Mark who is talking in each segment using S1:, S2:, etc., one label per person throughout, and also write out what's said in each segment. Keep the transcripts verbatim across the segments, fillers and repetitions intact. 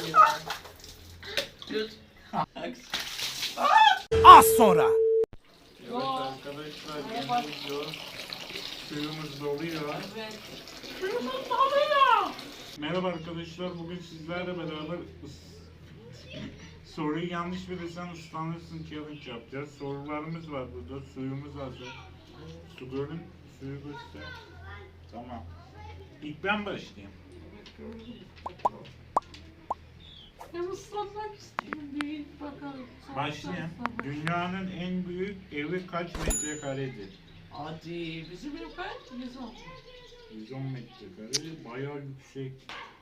S1: Az sonra.
S2: Evet arkadaşlar, geliyor. Suyumuz doluyor.
S3: Evet. Suyumuz doluyor.
S2: Merhaba arkadaşlar, bugün sizlerle beraber soruyu yanlış bilirsen ıslanırsın challenge yapacağız. Sorularımız var burada, suyumuz hazır. Su görün, suyu göster. Tamam. İlk ben başlayayım.
S3: Ben ıslanmak istiyorum. Bir bakalım.
S2: Başlayayım. Dünyanın en büyük evi kaç metrekaredir?
S3: Hadi bizim ev kaç? yüz on.
S2: yüz on metrekare, bayağı yüksek.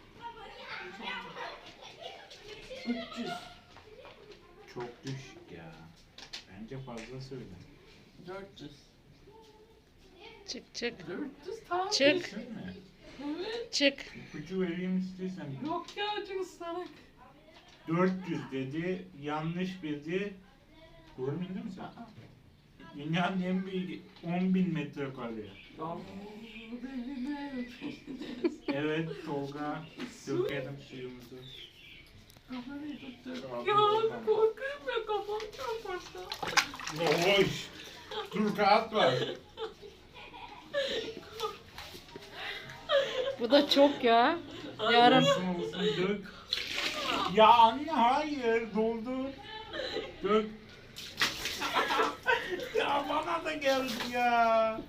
S3: üç yüz.
S2: Çok düşük ya. Bence fazla söyle.
S3: dört yüz.
S4: Çık çık
S3: dört yüz tamam.
S4: Çık.
S2: Kesin mi?
S3: Evet.
S4: çık.
S2: İpucu vereyim istiyorsan.
S3: Yok ya çok ıslanık.
S2: dört yüz dedi, yanlış bildi. Doğru mu değil mi sen?
S3: Aa.
S2: Dünyanın en büyük on bin metrekare.
S3: Ya benim ev.
S2: Evet Tolga, dökelim suyumuzu.
S3: Kamerayı tuttum.
S2: Tamam,
S3: Ya
S2: tamam.
S3: korkuyorum ya kafam çarparsa.
S2: Hoş. Dur kağıt var.
S4: Bu da çok ya. Yarın
S2: Olsun olsun dök. Ya anne hayır doldur. Dök. Ya bana da geldi ya.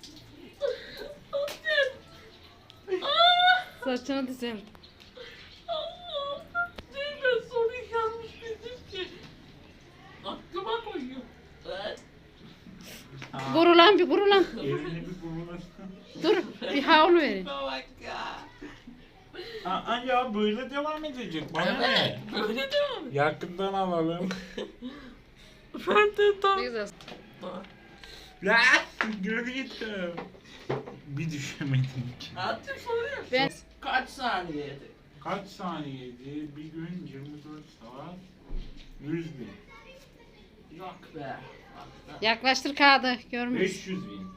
S4: saçını dizem.
S3: Allah'ım. Değil ben soruyu yanlış bildim ki. Aklıma koyuyor. Evet.
S4: Vur lan bir vur lan.
S2: Elini bir kurulasın.
S4: Dur bir havlu verin.
S3: Bak ya.
S2: Aa ya böyle devam edecek bana ne?
S3: Böyle devam et.
S2: Yakından alalım.
S3: Ben de tam.
S4: Ne güzel.
S2: La görüyordum. Bir düşemedim ki.
S3: Hadi soruyor.
S4: Ben
S3: Kaç saniyede?
S2: Kaç saniyeydi? Bir gün yirmi dört saat yüz bin.
S3: Yok be. Bak be.
S4: yaklaştır kağıdı görmüş.
S2: beş yüz bin.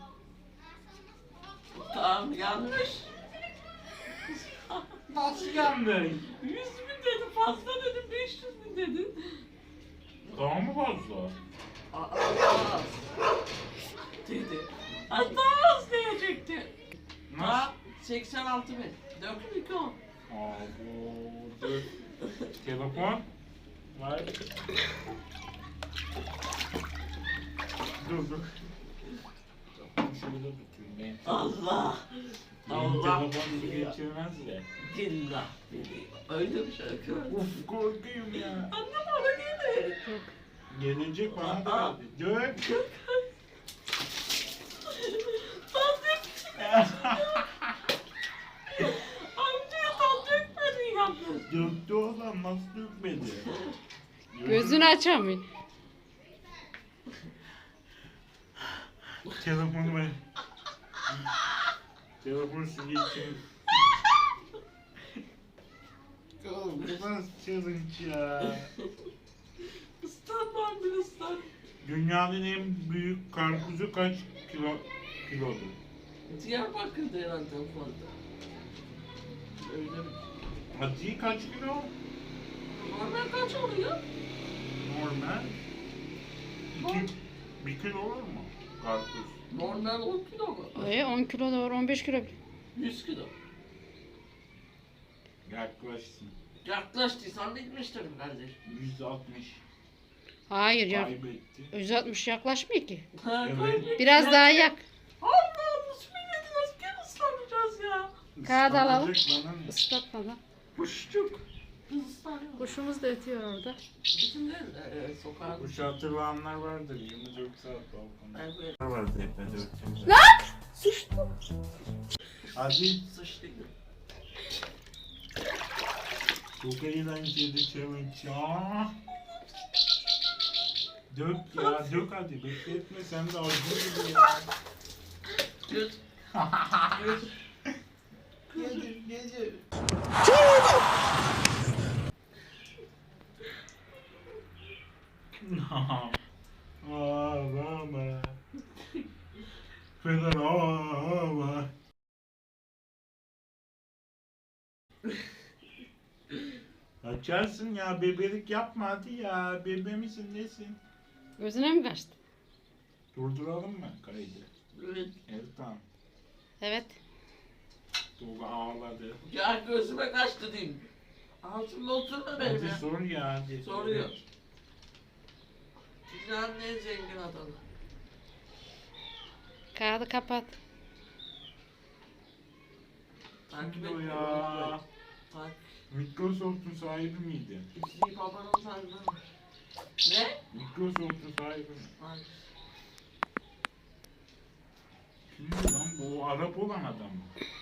S3: Tamam yanlış.
S2: Nasıl yandı?
S3: yüz bin dedi fazla dedim beş yüz bin dedin.
S2: Daha mı fazla?
S3: Aa, az. Dedi. Az daha az diyecekti.
S2: Nasıl?
S3: Ha, seksen altı bin. Dökün iki on.
S2: Aa bu dur. Telefon. Var. Dur dur. Şöyle tutayım ben.
S3: Allah.
S2: Benim
S3: Allah.
S2: telefon su geçirmez de.
S3: Billah billah. Öyle bir şarkı var.
S2: Uf korkuyorum ya.
S3: Annem bana geldi.
S2: Gelecek bana da
S3: Aa.
S2: geldi. Dök.
S3: Amcaya tam dökmedin yalnız.
S2: Döktü olan nasıl dökmedi?
S4: Gözünü açamıyor.
S2: Telefonu ver. Telefon su geçirin. Oğlum bu nasıl challenge ya?
S3: Islanmam bir ıslan.
S2: Dünyanın en büyük karpuzu kaç kilo kilodur?
S3: Diyarbakır'da herhalde fazla. Öyle mi?
S2: Hadi kaç kilo?
S3: Normal kaç oluyor?
S2: Normal. İki, bir kilo olur mu? Karpuz.
S3: Normal on kilo mu?
S4: E, on kilo da var on beş kilo.
S3: yüz kilo.
S2: Yaklaşsın.
S3: Yaklaştıysan bitmiştir kardeş.
S2: yüz altmış.
S4: Hayır ya.
S2: Kaybetti.
S4: yüz altmış yaklaşmıyor ki.
S3: Ha,
S2: Evet.
S3: kaybettik.
S4: Biraz daha yak.
S3: Allah'ım su milleti nasıl gel ıslanacağız ya?
S4: Kağıt alalım.
S2: Islanacak bana ne?
S4: Islatmadan.
S3: Kuşçuk. Biz ıslanıyoruz.
S4: Kuşumuz da ötüyor orada.
S3: Bizim de e, sokağa.
S2: Kuş hatırlayanlar vardır. yirmi dört saat balkonda.
S3: Evet.
S2: Vardı hep ben dörtümde.
S3: Sıçtı.
S2: Hadi.
S3: Sıçtı.
S2: Çok eğlenceli challenge ya. Dök ya, dök hadi. Bekletme sen de ağzını gibi ya.
S3: Göt. Göt.
S2: Gelir, gelir. Ağlama. Feder ağlama. Açarsın ya, bebelik yapma hadi ya. Bebe misin nesin?
S4: Gözüne mi kaçtı?
S2: Durduralım mı kaydı?
S3: Evet.
S2: Evet tamam.
S4: Evet.
S2: Tolga ağladı.
S3: Ya gözüme kaçtı diyeyim. Ağzımda oturma benim
S2: Hadi
S3: ya.
S2: sor ya hadi.
S3: Soruyor. Dünyanın en zengin adamı.
S4: Kağıdı kapat.
S3: Takip
S2: Kimdi o
S3: etmiyor.
S2: ya?
S3: Bak.
S2: Microsoft'un sahibi miydi?
S3: İzleyip babanın sahibi. Ne?
S2: Microsoft'un sahibi mi?
S3: Bak.
S2: Kimdi lan bu? O Arap olan adam mı?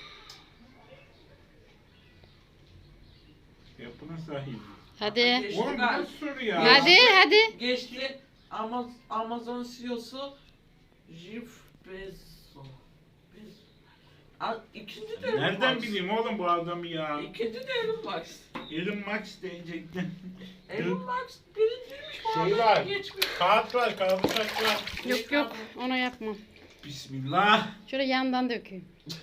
S2: Apple'ın sahibi.
S4: Hadi.
S3: Geçti
S2: Oğlum bu
S3: galiba.
S2: nasıl soru ya?
S4: Hadi hadi.
S3: Geçti. Ama Amazon C E O'su Jeff Bezos. Bezos. Aa, İkinci de Elon
S2: Nereden
S3: Musk.
S2: bileyim oğlum bu adamı ya?
S3: İkinci de Elon Musk.
S2: Elon Musk diyecektim.
S3: Elon Musk birinciymiş bu
S2: Şey
S3: adam
S2: var.
S3: geçmiş.
S2: Kağıt var, kağıt taş var.
S4: Yok yok onu yapmam.
S2: Bismillah.
S4: Şöyle yandan dökeyim.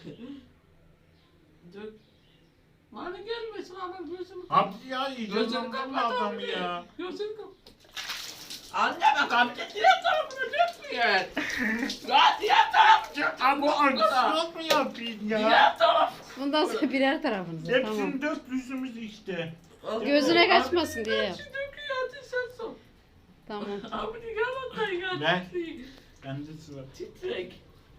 S3: Dök. Bana gelmesin ama gözümü
S2: Abi ya yiyeceğim
S3: Gözünü
S2: lan bu
S3: kapat
S2: adamı
S3: abi.
S2: ya.
S3: Gözünü kapat. Anne bak abi de diğer tarafını dökmüyor. Ya diğer tarafı dök.
S2: Abi bu
S3: Arkada.
S2: anksiyot mu yapayım ya?
S3: Diğer taraf.
S4: Bundan sonra birer tarafınıza. Tamam.
S2: Hepsini dört yüzümüz işte.
S4: Gözüne kaçmasın diye yap.
S3: Hepsi döküyor hadi sen sor.
S4: Tamam.
S3: Abi de gel hatta ya.
S2: Ben-
S3: titrek.
S2: Bende sıra.
S3: Titrek.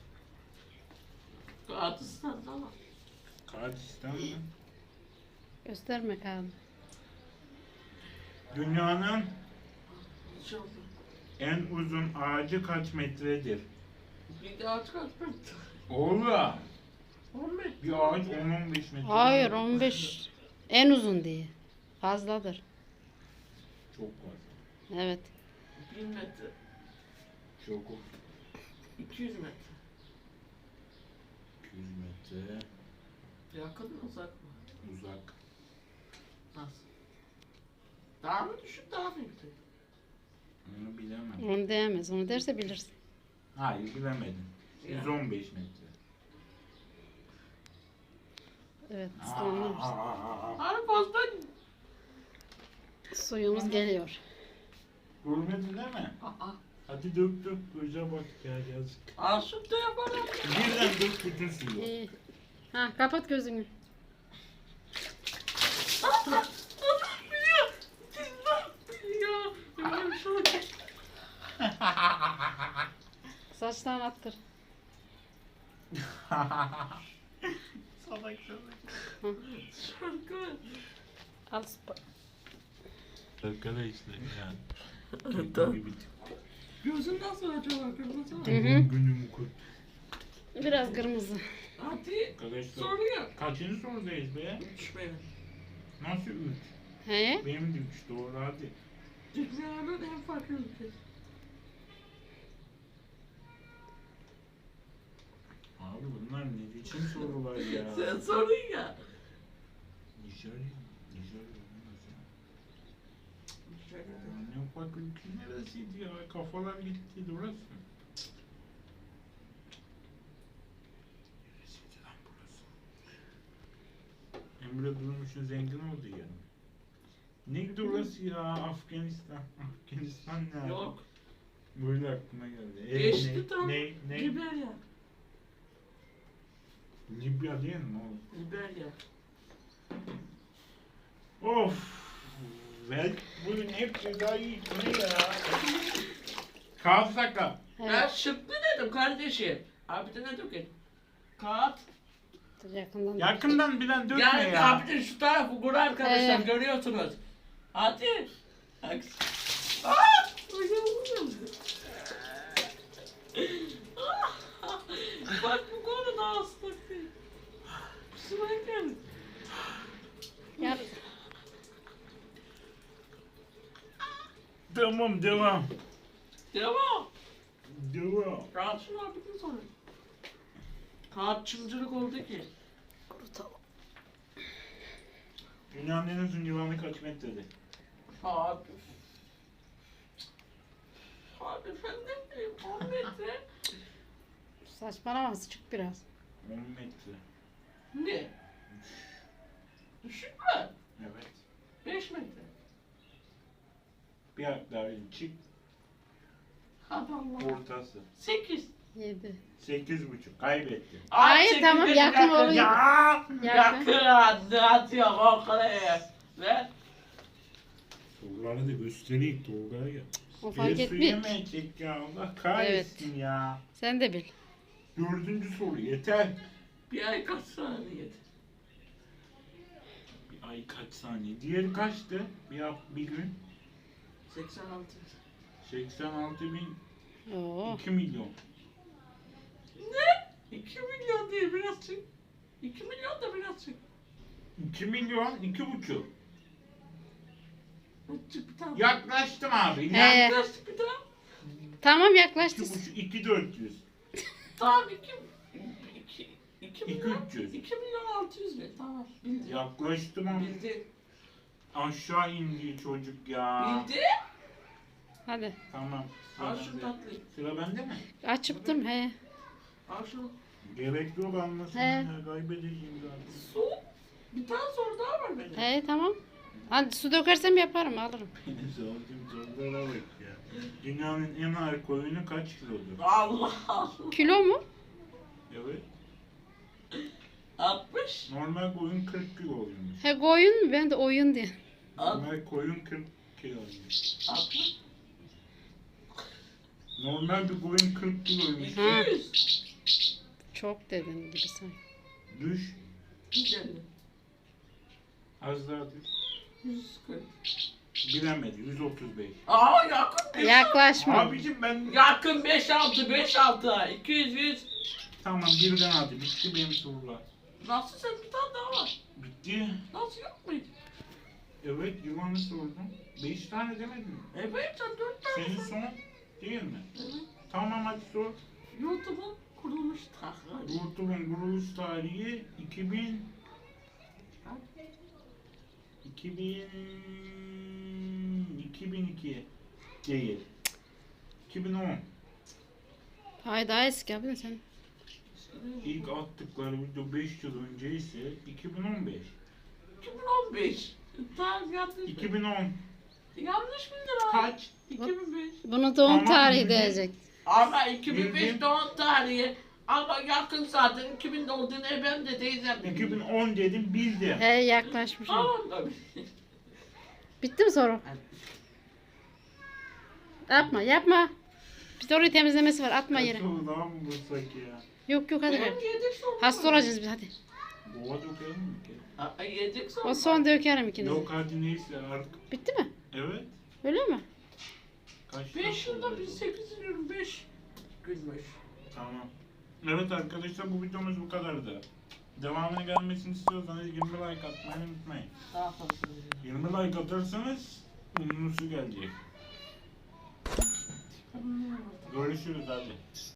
S3: Kağıtısın ama.
S2: Kağıtistan mı?
S4: Gösterme kağıdı.
S2: Dünyanın
S3: Çok.
S2: en uzun ağacı kaç metredir?
S3: Bir daha çıkartmak.
S2: Oğlum.
S3: on metre.
S2: Bir ağaç on on beş metre.
S4: Hayır on beş. En uzun diye. Fazladır.
S2: Çok fazla.
S4: Evet.
S3: bin metre.
S2: Çok
S3: iki yüz metre.
S2: iki yüz metre
S3: Yakın mı uzak mı?
S2: uzak.
S3: Nasıl? Daha mı düşük daha mı yüksek?
S2: Onu bilemem.
S4: Onu diyemez. Onu derse bilirsin.
S2: Hayır bilemedim. yüz on beş metre.
S4: Evet. ıslanıyoruz.
S3: Abi fazla
S4: Suyumuz geliyor.
S2: Görmedin değil mi?
S3: Aa,
S2: Hadi dök dök. Göze bak ya yazık.
S3: Aşık da yaparım.
S2: Birden dök bütün suyu.
S4: İyi. Ha kapat gözünü.
S3: Adam biliyor. Sizler biliyor. Böyle bir şey olacak.
S4: Saçlarını attır.
S2: Salak salak.
S3: Şarkı.
S4: Al spa.
S2: Arkadaşlar ya.
S3: Gözün nasıl acaba? Kırmızı mı?
S4: Hı hı.
S2: Günümü kurt.
S4: Biraz kırmızı.
S3: Hadi
S2: Arkadaşlar
S3: soruyor.
S2: kaçıncı sorudayız be?
S3: Üç benim.
S2: Nasıl üç?
S4: He?
S2: Benim de üç doğru hadi.
S3: Dünyanın en farklı ülkesi.
S2: Abi bunlar ne biçim sorular ya?
S3: Sen sorun ya.
S2: Nijerya. Nijerya olmaz ya. Ya ne bak ülke neresiydi ya? Kafalar gitti orası. Neresiydi lan burası? Emre Durmuş'un zengin oldu ya. Neydi orası ya? Afganistan. Afganistan ne?
S3: Yok.
S2: Böyle aklıma geldi. E,
S3: Geçti
S2: ne,
S3: tam.
S2: Ne? Ne?
S3: Liberya.
S2: Libya değil mi oğlum?
S3: Liberya.
S2: Of. Ve bugün hep cezayı ne ya? Kağıt sakla.
S3: Ben
S4: Evet.
S3: şıklı dedim kardeşim. Abi de ne dökün? Kağıt.
S4: Dur, yakından.
S2: Yakından bilen dökme
S3: Yani
S2: ya.
S3: abi de şu tarafı kur arkadaşlar
S4: Evet.
S3: görüyorsunuz. Hadi. Bak. Aa! Bak bu konu da ıslak değil. Kusura geldi.
S4: Yap.
S2: Tamam devam.
S3: Devam.
S2: Devam.
S3: Kağıtçı abi de sonra. Kağıtçımcılık oldu ki.
S4: Kurutalım.
S2: Dünyanın en uzun yılanı kaç metredir?
S3: Abi. Abi ben ne bileyim on metre.
S4: Saçmalama çık biraz.
S2: on metre.
S3: Ne? Düşük mü?
S2: Evet.
S3: Beş metre.
S2: Bir harf daha verin. Çık.
S3: Hadi Allah.
S2: Ortası.
S3: Sekiz.
S4: Yedi.
S2: Sekiz buçuk. Kaybetti.
S3: Ay,
S4: Hayır,
S3: sekiz
S4: tamam,
S3: dedi,
S4: yakın oluyor.
S2: Ya!
S4: Yakın.
S3: Yakın. Ne atıyor korkuya? Ver.
S2: Soruları da göstereyim Tolga'ya. ya.
S4: O fark
S2: Bir su
S4: etmiyor.
S2: yemeyecek ya. Allah kahretsin ya.
S4: Sen de bil.
S2: Dördüncü soru yeter.
S3: Bir ay kaç saniyede?
S2: Bir ay kaç saniye? Diğeri kaçtı? Bir hafta, bir gün.
S3: seksen altı.
S2: seksen altı bin
S4: Oo.
S2: iki milyon.
S3: Ne? iki milyon değil biraz çık. iki milyon da biraz çık.
S2: iki milyon, iki buçuk.
S3: Çık bir tane.
S2: Yaklaştım abi.
S4: He.
S2: Ya.
S3: Yaklaştık bir tane.
S4: Tamam
S2: İki
S4: yaklaştı.
S2: buçuk, iki dört yüz.
S3: Tamam iki. İki, iki
S2: İki
S3: milyon.
S2: üç yüz.
S3: iki milyon altı yüz bin. Tamam. Bildi.
S2: Yaklaştım ama
S3: Bildi.
S2: aşağı indi çocuk ya.
S3: Bildi.
S4: Hadi.
S2: Tamam. Sıra
S3: Al şu
S2: bende.
S3: tatlıyı.
S2: Sıra bende mi?
S4: Açıptım he.
S3: Al şunu.
S2: Gerek yok almasın.
S4: He.
S2: Ya, kaybedeceğim zaten.
S3: Su. Bir tane soru daha var benim.
S4: He tamam. Hadi su dökersem yaparım alırım.
S2: Benim sorduğum sorulara bak ya. Dünyanın en ağır koyunu kaç kilodur?
S3: Allah Allah.
S4: Kilo mu?
S2: Evet.
S3: altmış.
S2: Normal koyun kırk kiloluymuş.
S4: He koyun mu? Ben de oyun diye.
S2: Normal koyun kırk kiloluymuş.
S3: altmış.
S2: Normal bir koyun kırk kiloymuş.
S3: iki yüz.
S4: Çok dedin gibi sanki.
S2: Düş.
S3: yüz elli.
S2: Az daha düş.
S3: yüz kırk.
S2: Bilemedi. yüz otuz beş.
S3: Aa yakın beş.
S4: Yaklaşma.
S2: Abicim ben...
S3: Yakın beş altı beş altı. iki yüz yüz.
S2: Tamam birden hadi. Bitti benim sorular.
S3: Nasıl sen bir tane daha var?
S2: Bitti.
S3: Nasıl yok muydu?
S2: Evet yılanı sordum. Beş tane demedin mi?
S3: Evet sen dört tane.
S2: Senin son değil mi?
S3: Evet.
S2: Tamam hadi sor.
S3: YouTube'un kurulmuş tarihi.
S2: YouTube'un kuruluş tarihi iki bin iki bin iki bin iki değil. iki bin on.
S4: Hayır daha eski abi sen.
S2: İlk attıkları video beş yıl önce ise iki bin on beş.
S3: iki bin on beş. Tamam yanlış.
S2: iki bin on.
S3: Yanlış bildin abi.
S2: Kaç?
S3: iki bin beş.
S4: Bunu doğum
S2: Tamam,
S4: tarihi
S2: bildim.
S4: diyecek.
S3: Ama iki bin beş
S2: Bildim.
S3: doğum tarihi. Ama yakın zaten iki bin olduğunu ben de teyzem de
S2: iki bin on dedim bildim.
S4: He yaklaşmışım.
S3: Tamam da bildim.
S4: Bitti mi soru? Yapma yapma. Bir soruyu temizlemesi var atma yere.
S2: Soru daha mı bulsak ya?
S4: Yok yok hadi.
S3: Benim
S4: ver.
S3: yedek sorum
S4: Hasta
S3: var.
S4: olacağız biz hadi.
S2: Bova dökelim mi ki?
S3: Aa, yedek sorum
S4: O son
S3: var.
S4: dökerim ikinizi.
S2: Yok hadi neyse artık.
S4: Bitti mi?
S2: Evet.
S4: Öyle mi?
S2: Kaç
S3: beş
S2: dakika
S3: yılda
S2: oldu?
S3: bir sekiz yirmi beş gülmüş.
S2: Tamam. Evet arkadaşlar bu videomuz bu kadardı. Devamını gelmesini istiyorsanız yirmi like atmayı unutmayın.
S3: Daha fazla.
S2: yirmi like atarsanız unlusu gelecek. Görüşürüz hadi.